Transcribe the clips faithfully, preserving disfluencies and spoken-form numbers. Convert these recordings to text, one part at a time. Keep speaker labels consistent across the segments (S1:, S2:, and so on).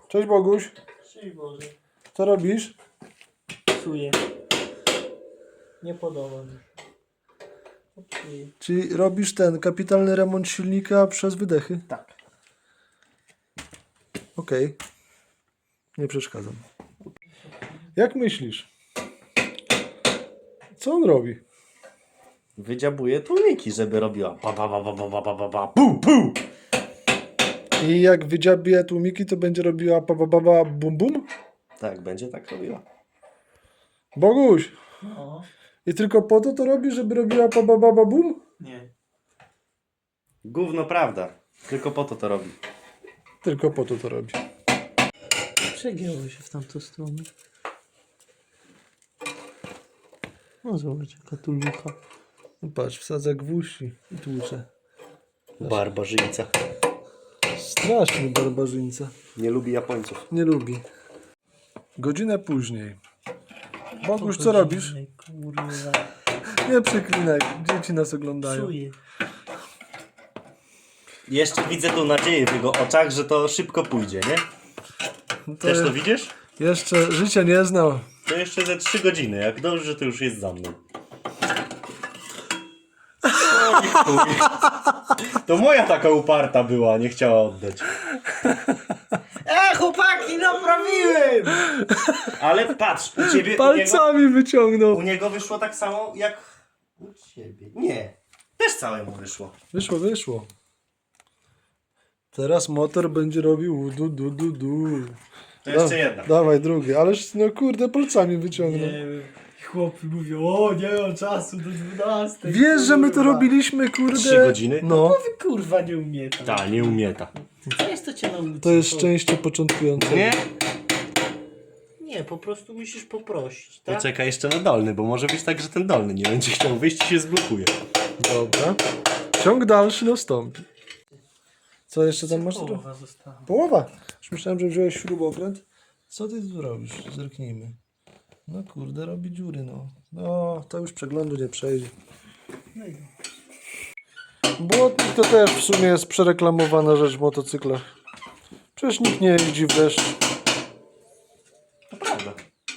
S1: Cześć Boguś.
S2: Cześć Boże.
S1: Co robisz?
S2: Psuję. Nie podoba mi się. Psuję.
S1: Czyli robisz ten kapitalny remont silnika przez wydechy?
S2: Tak.
S1: Okej. Nie przeszkadzam. Jak myślisz? Co on robi?
S3: Wydziabuje tłumiki, żeby robiła pa pa pa pa pa pa pa pa pu pu.
S1: I jak wydziabie tłumiki, to będzie robiła pa, pa, pa, pa, bum bum?
S3: Tak, będzie tak robiła.
S1: Boguś!
S2: No.
S1: I tylko po to to robi, żeby robiła pa, pa, pa, pa bum?
S2: Nie.
S3: Gówno prawda. Tylko po to to robi.
S1: Tylko po to to robi.
S2: Przegięło się w tamtą stronę. No zobacz jaka tu lucha.
S1: Patrz, wsadza gwóźdź i tłucze.
S3: Barbarzyńca.
S1: Straszny barbarzyńca.
S3: Nie lubi Japońców.
S1: Nie lubi. Godzinę później. Boguś, co robisz?
S2: Ej, kurwa.
S1: Nie przeklinaj, dzieci nas oglądają.
S2: Psuję.
S3: Jeszcze widzę tą nadzieję w jego oczach, że to szybko pójdzie, nie?
S1: To
S3: Też to
S1: je-
S3: widzisz?
S1: Jeszcze życia nie znał.
S3: To jeszcze ze trzy godziny. Jak dobrze, że to już jest za mną. Oj, chuj. To moja taka uparta była, nie chciała oddać.
S2: E, chłopaki, naprawiłem!
S3: Ale patrz, u ciebie, u niego,
S1: Palcami wyciągnął.
S3: u niego wyszło tak samo jak u ciebie. Nie, też całemu wyszło.
S1: Wyszło, wyszło. Teraz motor będzie robił du du du du.
S3: To jeszcze
S1: Da-
S3: jedna.
S1: Dawaj drugi, ależ no kurde palcami wyciągnął.
S2: Nie wiem. Chłopi mówią, o nie mam czasu do dwunastej.
S1: Wiesz, że my to
S2: kurwa.
S1: robiliśmy kurde.
S3: Trzy godziny?
S1: No,
S2: Wy kurwa nie umiecie.
S3: Ta, nie umieta.
S2: Co jest to cię nauczy?
S1: to jest szczęście początkujące.
S3: Nie?
S2: Nie, po prostu musisz poprosić, tak?
S3: Poczekaj jeszcze na dolny, bo może być tak, że ten dolny nie będzie chciał wyjść i się zblokuje.
S1: Dobra. Ciąg dalszy nastąpi. Co jeszcze tam masz?
S2: Połowa została.
S1: Połowa. Już myślałem, że wziąłeś śrubokręt. Co ty tu robisz? Zerknijmy. No kurde, robi dziury, no. No, to już przeglądu nie przejdzie.
S2: No i
S1: Błotnik to też w sumie jest przereklamowana rzecz w motocyklach. Przecież nikt nie jeździ w deszcz.
S3: To prawda.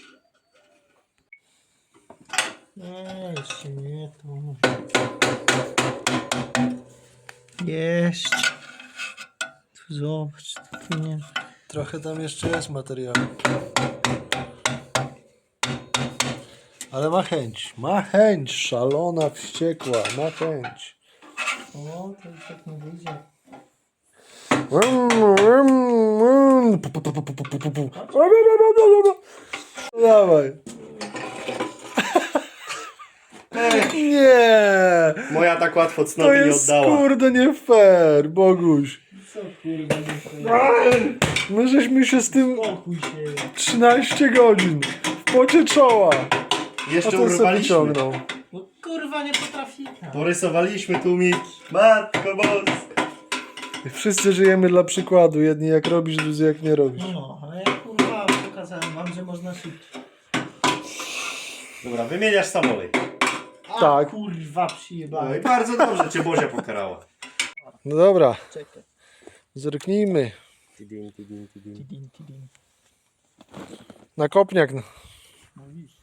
S2: nie, jeszcze nie to. Jeść. Tu zobacz, tu nie.
S1: Trochę tam jeszcze jest materiału. Ale ma chęć. Ma chęć. Szalona, wściekła. Ma chęć.
S2: O, to już tak nie wyjdzie.
S1: Dawaj. Nie.
S3: Moja tak łatwo
S1: To
S3: cnoty nie
S1: jest
S3: oddała.
S1: kurde nie fair, Boguś.
S2: Co kurwa nie fair?
S1: My żeśmy się z tym
S2: Spokój się.
S1: trzynaście godzin w pocie czoła. A
S3: Jeszcze
S1: ten sobie
S3: urwaliśmy.
S1: wyciągnął.
S2: No kurwa nie potrafi.
S3: Porysowaliśmy tłumiki. Matko boska.
S1: I wszyscy żyjemy dla przykładu. Jedni jak robisz, drudzy jak nie robisz.
S2: No, ale ja kurwa pokazałem wam, że można szybciej.
S3: Dobra, wymieniasz samolej.
S2: A,
S1: Tak.
S2: kurwa
S3: No
S2: przyjebałem.
S3: i bardzo dobrze cię Bozia pokarała.
S1: No dobra,
S2: Czekaj.
S1: zerknijmy.
S3: Tidin, tidin, tidin.
S2: Tidin, tidin.
S1: Na kopniak. no.
S2: Mówisz.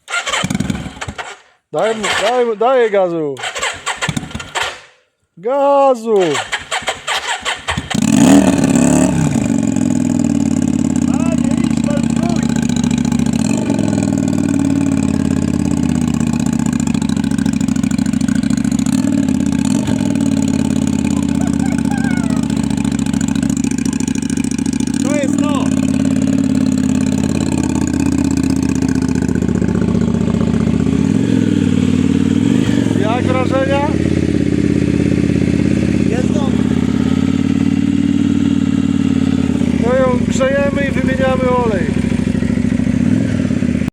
S1: Daj mu, daj mu, daję gazu. Gazu.